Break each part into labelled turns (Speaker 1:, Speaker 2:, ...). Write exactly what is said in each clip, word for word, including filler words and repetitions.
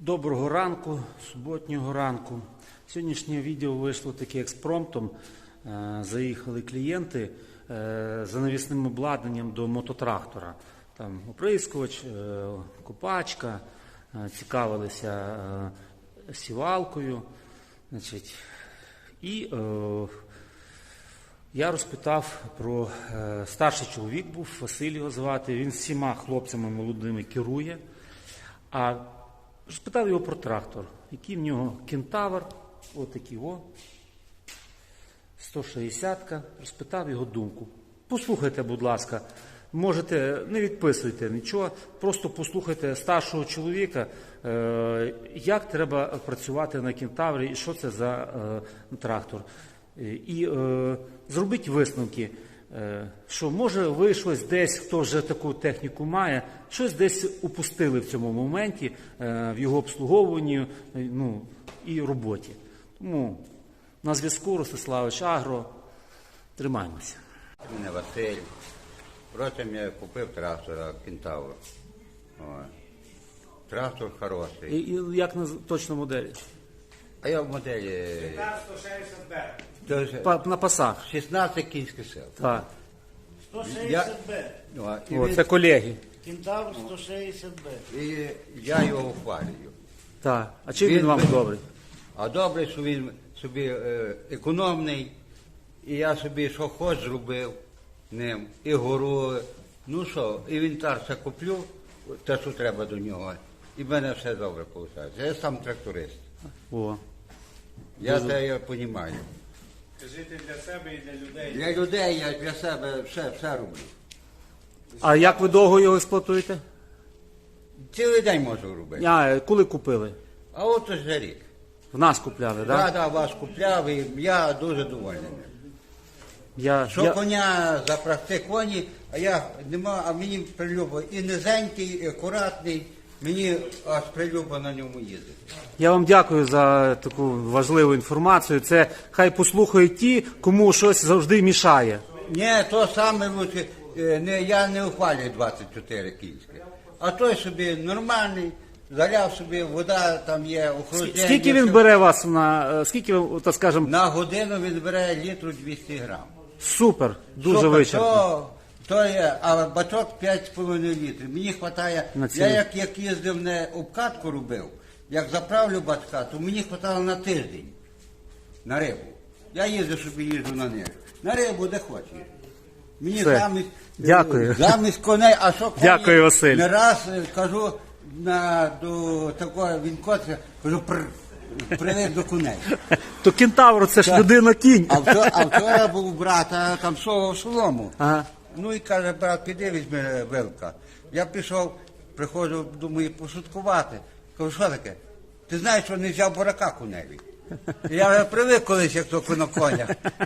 Speaker 1: Доброго ранку, суботнього ранку. Сьогоднішнє відео вийшло таке експромтом. Заїхали клієнти за навісним обладнанням до мототрактора. Там оприскувач, копачка, цікавилися сівалкою. Значить, і е, я розпитав про е, старший чоловік був, Василь його звати, він всіма хлопцями молодими керує. А розпитав його про трактор, який в нього кентавр, отакий о, сто шістдесят, розпитав його думку. Послухайте, будь ласка, можете, не відписуйте нічого, просто послухайте старшого чоловіка, е, як треба працювати на кентаврі і що це за е, трактор. І е, зробіть висновки, е, що може ви щось десь, хто вже таку техніку має, щось десь упустили в цьому моменті, е, в його обслуговуванні е, ну, і роботі. Тому на зв'язку Ростиславич Агро. Тримаємося.
Speaker 2: Мене Василь. Потім я купив трактора Кентавр. Трактор хороший.
Speaker 1: І, і як на точно моделі?
Speaker 2: А я в моделі
Speaker 3: сто шістдесят Б.
Speaker 1: Па, на пасах.
Speaker 2: шістнадцять кінських сил.
Speaker 1: Так.
Speaker 3: сто шістдесят Б.
Speaker 2: Ну, і,
Speaker 1: О,
Speaker 2: він-
Speaker 1: це колеги.
Speaker 3: Кентавр сто шістдесят Б.
Speaker 2: і я його ухвалюю.
Speaker 1: Так. А чим він,
Speaker 2: Він
Speaker 1: вам
Speaker 2: ви-
Speaker 1: добрий?
Speaker 2: А добре, що він собі е, економний, і я собі що хоч зробив ним, і гору, ну що, інвентар все куплю, те, що треба до нього, і в мене все добре виходить. Я сам тракторист.
Speaker 1: О.
Speaker 2: Я це я розумію.
Speaker 3: Жити для себе і для людей.
Speaker 2: Для людей я для себе все, все роблю.
Speaker 1: А як ви довго його експлуатуєте?
Speaker 2: Цілий день можу робити.
Speaker 1: А, коли купили?
Speaker 2: А от вже рік.
Speaker 1: В нас купляли, так?
Speaker 2: Да,
Speaker 1: Да?
Speaker 2: да, вас купляв, і я дуже довольний.
Speaker 1: Я,
Speaker 2: Що
Speaker 1: я...
Speaker 2: коня запрягти коні, а я нема, а мені прилюбо і низенький, і акуратний, мені аж прилюбо на ньому їздити.
Speaker 1: я вам дякую за таку важливу інформацію. Це хай послухають ті, кому щось завжди мішає.
Speaker 2: Ні, то саме лучше, е, не, я не ухвалюю двадцять чотири кінських. А той собі нормальний, заляв собі, вода там є, охолодження.
Speaker 1: Скільки він бере вас на, е, скільки, ви, так скажемо,
Speaker 2: На годину він бере літру двісті грам.
Speaker 1: супер, дуже
Speaker 2: Супер,
Speaker 1: вичерпно.
Speaker 2: То, то є, а бачок п'ять з половиною літрів. Мені вистачає,
Speaker 1: На
Speaker 2: я
Speaker 1: цілий.
Speaker 2: як, як їздив, не обкатку робив, як заправлю бачка, то мені вистачало на тиждень, на рибу. Я їздив, собі їжджу на них. На рибу, де хочеш. Мені
Speaker 1: Все.
Speaker 2: замість,
Speaker 1: Дякую.
Speaker 2: замість коней, а що коні,
Speaker 1: Дякую, Василь.
Speaker 2: не раз е, кажу, на, до такого він котиться, кажу, пр, привик до коней.
Speaker 1: То кентавр, це ж людина-кінь.
Speaker 2: А вчора, а вчора був у брата, там совав солому.
Speaker 1: Ага.
Speaker 2: Ну і каже, брат, піди візьми вилка. Я пішов, приходжу, думаю, пошуткувати. Кажу, що таке? Ти знаєш, що не взяв бурака коневі? Я вже привик колись, як то на конях.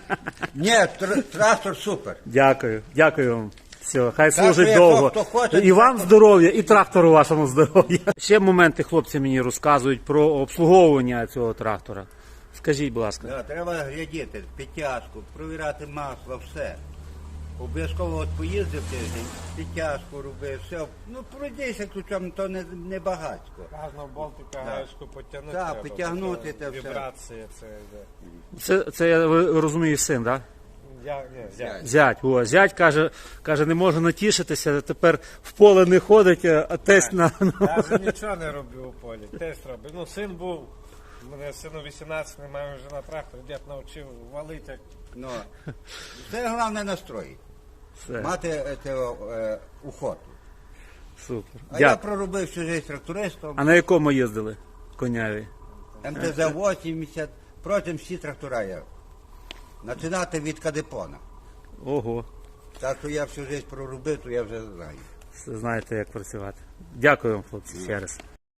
Speaker 2: Ні, тр- трактор супер.
Speaker 1: Дякую, дякую вам. Все, хай
Speaker 2: Так,
Speaker 1: служить
Speaker 2: що
Speaker 1: довго.
Speaker 2: хто хоче,
Speaker 1: І вам
Speaker 2: то-
Speaker 1: здоров'я, і трактору вашому здоров'я. Ще моменти хлопці мені розказують про обслуговування цього трактора. Скажіть, будь ласка.
Speaker 2: Да, треба глядіти, підтяжку, провіряти масло, все. Обов'язково от поїздив тиждень, підтяжку робив, все. Ну, пройдися ключом, то не, не багатько.
Speaker 3: Газна болтика,
Speaker 2: Да.
Speaker 3: гаєчку потягнути.
Speaker 2: Да,
Speaker 3: треба,
Speaker 2: підтягнути
Speaker 3: бо
Speaker 2: те все.
Speaker 3: Вібрації, це йде.
Speaker 1: Це, це я ви розумію, син, так?
Speaker 3: Я, ні, я.
Speaker 1: Зять. О, зять каже, каже, не може натішитися, тепер в поле не ходить, а тесть на...
Speaker 3: Я вже нічого не роблю у полі, тест робив. Ну, син був, у мене сину вісімнадцять, ми маємо вже на трактор, дід навчив валити. як-
Speaker 2: Ну, це головне настрой.
Speaker 1: Все,
Speaker 2: Мати е, те, е, охоту.
Speaker 1: супер.
Speaker 2: А я
Speaker 1: Дякую.
Speaker 2: проробив всю життя трактористом,
Speaker 1: А на якому їздили коняві?
Speaker 2: ем те зет вісімдесят, протягом всі трактора я. Починати від кадепона.
Speaker 1: Ого,
Speaker 2: Так що я всю життя проробив, то я вже знаю.
Speaker 1: все знаєте, як працювати. Дякую вам, хлопці, ще раз.